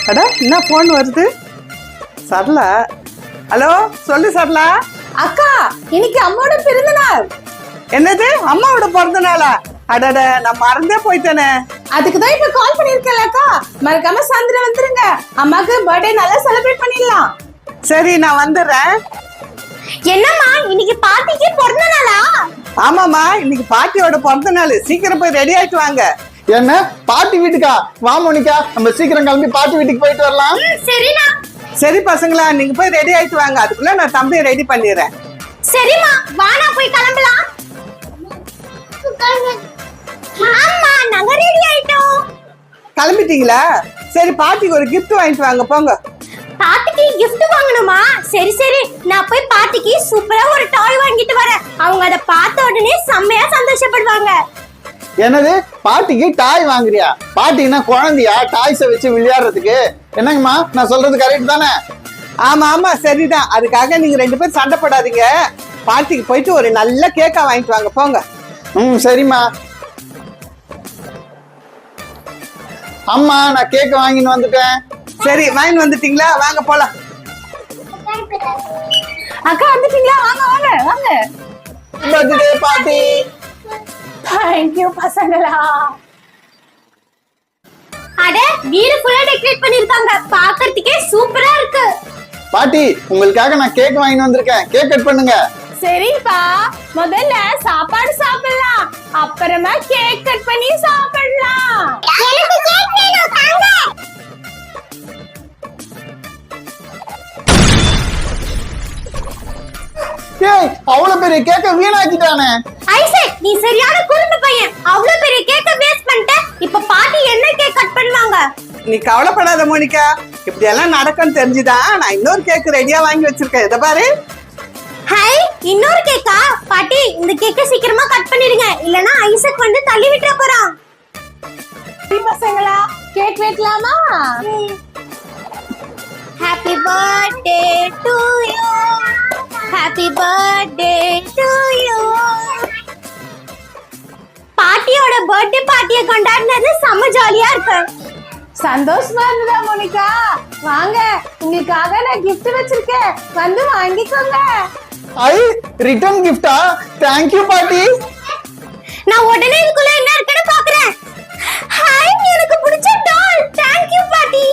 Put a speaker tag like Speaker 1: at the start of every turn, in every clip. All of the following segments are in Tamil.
Speaker 1: அட என்ன போன் வருது? சரளா. ஹலோ, சொல்லு சரளா.
Speaker 2: அக்கா, இன்னைக்கு அம்மாவோட பிறந்த நாள்.
Speaker 1: என்னது, அம்மாவோட பிறந்த நாளா? அடட, நான் மறந்தே போயிட்டேனே.
Speaker 2: அதுக்கு தான் இப்ப கால் பண்ணிருக்கேன் அக்கா. மறக்காம சாயந்தரம் வந்துருங்க, அம்மாக்கு பர்த்டே நல்லா செலிப்ரேட் பண்ணிடலாம்.
Speaker 1: சரி, நான் வந்துடுறேன்.
Speaker 3: என்னம்மா, இன்னைக்கு பாட்டிக்கு பிறந்த நாளா?
Speaker 1: ஆமாமா, இன்னைக்கு பாட்டியோட பிறந்த நாள். சீக்கிரம் போய் ரெடி ஆயிட்டு வாங்க.
Speaker 4: என்ன, பாட்டி வீட்டுக்கா? வா மோனிகா, நம்ம சீக்கிரம் கிளம்பி பாட்டி வீட்டுக்கு போயிட்டு வரலாம்.
Speaker 3: சரிண்ணா.
Speaker 1: சரி பசங்களா, நீங்க போய் ரெடி ஆயிட்டு வாங்க. அதுக்குள்ள நான் தம்பியை ரெடி பண்ணிடுறேன்.
Speaker 3: சரிம்மா, வானா போய் கிளம்பலாம். ஆமா, நாங்க ரெடி ஆயிட்டோம்.
Speaker 1: கிளம்பிட்டீங்களா? சரி, பாட்டிக்கு ஒரு gift வாங்கிட்டு வாங்க, போங்க.
Speaker 3: பாட்டிக்கு gift வாங்கணுமா? சரி சரி, நான் போய் பாட்டிக்கு சூப்பரா ஒரு டாய் வாங்கிட்டு வரேன். அவங்க அத பார்த்த உடனே செம்மையா சந்தோஷப்படுவாங்க.
Speaker 4: என்னது, பாட்டிக்கு டாய் வாங்குறியா? பாட்டினா குழந்தையா டாய்ஸை வச்சு விளையாடுறதுக்கு? என்னங்கம்மா, நான் சொல்றது கரெக்ட் தானே?
Speaker 1: ஆமா ஆமா, சரிதான். அதுக்காக நீங்க ரெண்டு பேரும் சண்டை போடாதீங்க. பாட்டிக்கு போயிட்டு ஒரு நல்ல கேக்கா வாங்கிட்டு வாங்க, போங்க.
Speaker 4: சரிம்மா. அம்மா, நான் கேக் வாங்கின்னு வந்துட்டேன்.
Speaker 1: சரி, வாங்கிட்டு வந்துட்டீங்களா? வாங்க போலாம்.
Speaker 2: அக்கா வந்துட்டீங்களா? வாங்க வாங்க வாங்க.
Speaker 4: பர்த்டே பாட்டி.
Speaker 2: தேங்க்யூ பசங்களா.
Speaker 3: அட, வீடு ஃபுல்லா டெக்கரேட் பண்ணிருக்காங்க. பார்க்கிறதுக்கே சூப்பரா இருக்கு.
Speaker 4: பாட்டி, உங்களுக்காக நான் கேக் வாங்கின்னு வந்திருக்கேன். கேக் கட் பண்ணுங்க.
Speaker 2: சரிப்பா, முதல்ல சாப்பாடு சாப்பிடலாம், அப்புறமா கேக் கட் பண்ணி சாப்பிடலாம்.
Speaker 3: எனக்கு கேக் வேணும், தாங்க.
Speaker 4: ஏய், அவ்வளவு பெரிய கேக்க வீணாக்கிட்டானே.
Speaker 3: ஐசக், நீ சரியான குறும்பு பையன். அவ்வளவு பெரிய கேக்க வேஸ்ட் பண்ணிட்ட. இப்ப பாட்டி என்ன கேக் கட் பண்ணுவாங்க?
Speaker 1: நீ கவலைப்படாத மோனிகா, இப்படி எல்லாம் நடக்கும்னு தெரிஞ்சுதான் நான் இன்னொரு கேக் ரெடியா வாங்கி வச்சிருக்கேன். இத பாரு.
Speaker 3: ஹை, இன்னொரு கேக்கா? பாட்டி, இந்த கேக்க சீக்கிரமா கட் பண்ணிடுங்க, இல்லனா ஐசக் வந்து தள்ளி விட்டுற போறான்.
Speaker 2: பசங்களா, கேக் வெட்டலாமா?
Speaker 3: Happy birthday to you. Happy birthday to you. பாட்டியோட பர்த்டே பார்ட்டியை கொண்டாடினது செம்ம ஜாலியா இருக்கு.
Speaker 2: சந்தோஷமா இருந்ததா மோனிகா? வாங்க, உங்களுக்காக நான் gift வச்சிருக்கேன், வந்து வாங்கிக்கோங்க.
Speaker 4: ஐ, ரிட்டர்ன் கிஃப்டா? தேங்க் யூ பாட்டி.
Speaker 3: நான் உடனே இதுக்குள்ள என்ன இருக்குன்னு பாக்குறேன். ஹாய், எனக்கு பிடிச்ச டால். தேங்க் யூ பாட்டி.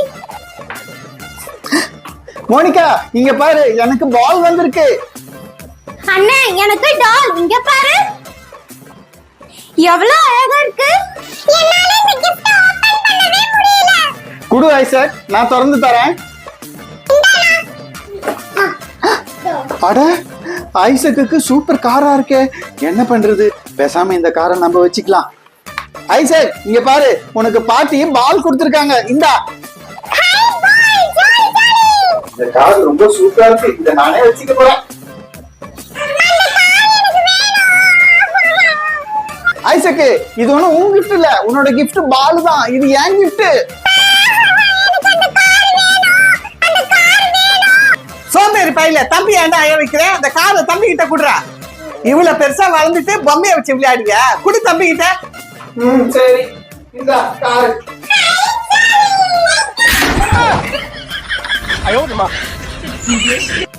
Speaker 4: மோனிகா, இங்க பாரு, எனக்கு பால் வந்திருக்கு.
Speaker 3: அண்ணே, எனக்கு டால். இங்க பாரு, எவ்வளவு அழகா இருக்கு. என்னால இந்த gift ஓபன் பண்ணவே முடியல.
Speaker 4: குடு ஐசக், நான் திறந்து தரேன். அட, ஐசக்குக்கு சூப்பர் காரா இருக்கே. என்ன பண்றது, பேசாம இந்த காரை நம்ம வச்சுக்கலாம். ஐசக், இங்க பாரு, உனக்கு பாட்டி பால் கொடுத்திருக்காங்க. இந்தா. இந்த கார் ரொம்ப சூப்பரா இருக்கு, இத நானே வச்சுக்க போறேன். ஐசக்கு, இது ஒண்ணும் உன் கிஃப்ட் இல்ல, உன்னோட கிஃப்ட் பால் தான். இது என் கிஃப்ட்.
Speaker 1: சோம்பேறி பையில, தம்பி ஏன்டா அய வைக்கிறேன்? அந்த காரை தம்பி கிட்ட குடுறா. இவ்வளவு பெருசா வளர்ந்துட்டு பொம்மையை வச்சு விளையாடுங்க. குடு தம்பி கிட்ட.
Speaker 4: சரி, இந்த கார்.
Speaker 5: 哎呦我的妈！